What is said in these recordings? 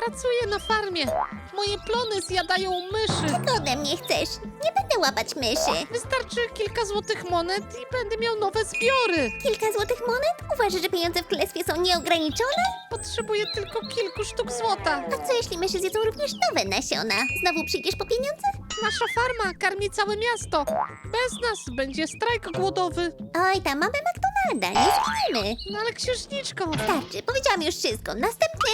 Pracuję na farmie. Moje plony zjadają myszy. Czego ode mnie chcesz? Nie będę łapać myszy. Wystarczy kilka złotych monet i będę miał nowe zbiory. Kilka złotych monet? Uważasz, że pieniądze w królestwie są nieograniczone? Potrzebuję tylko kilku sztuk złota. A co jeśli myszy zjedzą również nowe nasiona? Znowu przyjdziesz po pieniądze? Nasza farma karmi całe miasto. Bez nas będzie strajk głodowy. Oj, tam mamy McDonalda, nie zginiemy. No ale księżniczko, Starczy, powiedziałam już wszystko. Następny.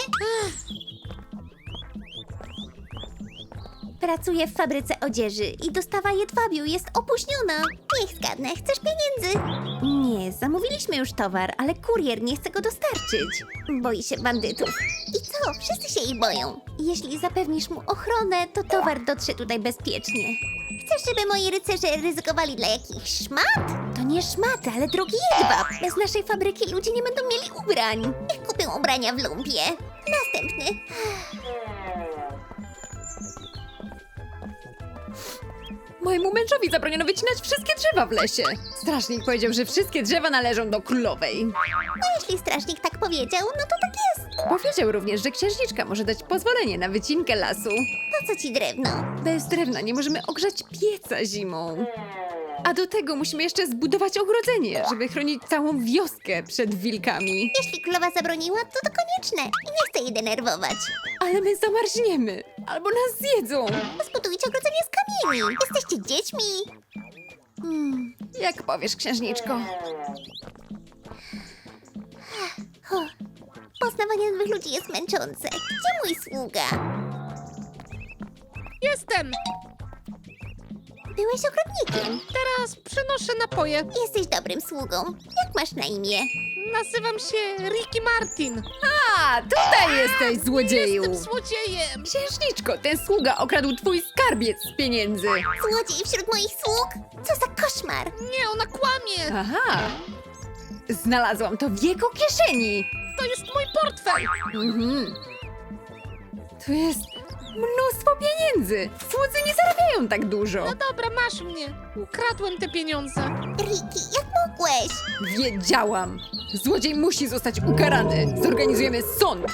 Pracuję w fabryce odzieży i dostawa jedwabiu jest opóźniona. Niech zgadnę, chcesz pieniędzy? Nie, zamówiliśmy już towar, ale kurier nie chce go dostarczyć. Boi się bandytów. I co? Wszyscy się ich boją. Jeśli zapewnisz mu ochronę, to towar dotrze tutaj bezpiecznie. Chcesz, żeby moi rycerze ryzykowali dla jakichś szmat? To nie szmaty, ale drogi jedwab. Bez naszej fabryki ludzie nie będą mieli ubrań. Niech kupią ubrania w lumpie. Następny. Mojemu mężowi zabroniono wycinać wszystkie drzewa w lesie. Strażnik powiedział, że wszystkie drzewa należą do królowej. No jeśli strażnik tak powiedział, no to tak jest. Powiedział również, że księżniczka może dać pozwolenie na wycinkę lasu. Po co ci drewno? Bez drewna nie możemy ogrzać pieca zimą. A do tego musimy jeszcze zbudować ogrodzenie, żeby chronić całą wioskę przed wilkami. Jeśli królowa zabroniła, to konieczne. I nie chcę jej denerwować. Ale my zamarzniemy, albo nas zjedzą. Zbudujcie ogrodzenie z kamieni. Jesteście dziećmi. Jak powiesz, księżniczko? Poznawanie nowych ludzi jest męczące. Gdzie mój sługa? jestem. Byłeś ogrodnikiem. Teraz przynoszę napoje. Jesteś dobrym sługą. Jak masz na imię? Nazywam się Ricky Martin. A, tutaj jesteś, złodzieju! Jestem złodziejem. Księżniczko, ten sługa okradł twój skarbiec z pieniędzy. Złodziej wśród moich sług? Co za koszmar! Nie, ona kłamie. Aha! Znalazłam to w jego kieszeni! To jest mój portfel. Mhm. Tu jest mnóstwo pieniędzy! Słudzy nie zarabiają tak dużo! No dobra, masz mnie. Ukradłem te pieniądze. Ricky, jak mogłeś? Wiedziałam! Złodziej musi zostać ukarany! Zorganizujemy sąd!